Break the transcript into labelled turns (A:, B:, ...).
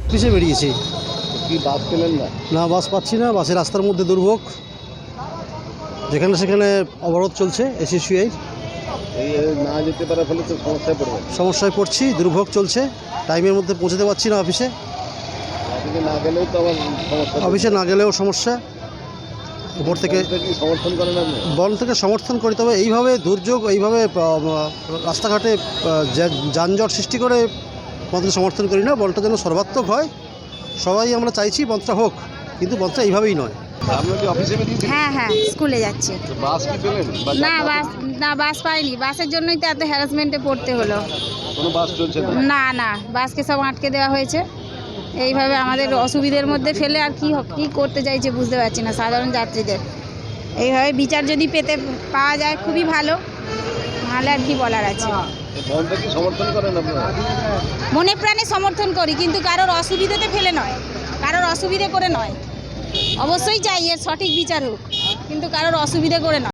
A: অফিসে বেরিয়েছি।
B: কি বাস পেলেন না?
A: না, বাস পাচ্ছি না। বাসে রাস্তার মধ্যে দুর্ভোগ, যেখানে সেখানে অবরোধ চলছে। এসএসসিআই
B: এই না যেতে পারার ফলে তো সমস্যায় পড়বেন।
A: সমস্যায় পড়ছি, দুর্ভোগ চলছে, টাইমের মধ্যে পৌঁছতে পারছি না অফিসে।
B: অফিসে না গেলেও তো আবার সমস্যা।
A: অফিসে না গেলেও সমস্যা। উপর থেকে
B: কি সমর্থন করেন আপনি?
A: বন থেকে সমর্থন করি, তবে এইভাবে দুর্যোগ, এইভাবে রাস্তাঘাটে যানজট সৃষ্টি করে বনকে সমর্থন করি না। বনটা যেন সর্বাত্মক হয়, সবাই আমরা চাইছি বনটা হোক, কিন্তু বনটা এইভাবেই নয়।
B: আপনি কি অফিসে বেরিয়েছিলেন?
C: হ্যাঁ, স্কুলে যাচ্ছি।
B: বাস কি পেলেন?
C: না, বাস পাইনি। বাসের জন্যই তো এত হ্যারাসমেন্টে পড়তে হলো।
B: কোনো বাস চলছে না?
C: না, বাসকে সব আটকে দেওয়া হয়েছে। এইভাবে আমাদের অসুবিধার মধ্যে ফেলে আর কি করতে চাইছে বুঝতে পারছি না সাধারণ যাত্রীদের। এইভাবে বিচার যদি পাওয়া যায় খুবই ভালো, নাহলে আর কি বলার আছে।
B: বনটা কি সমর্থন করেন আপনারা?
C: মনে প্রাণে সমর্থন করি, কিন্তু কারোর অসুবিধাতে ফেলে নয়, কারোর অসুবিধে করে নয়। অবশ্যই চাই এর সঠিক বিচার হোক, কিন্তু কারোর অসুবিধে করে নয়।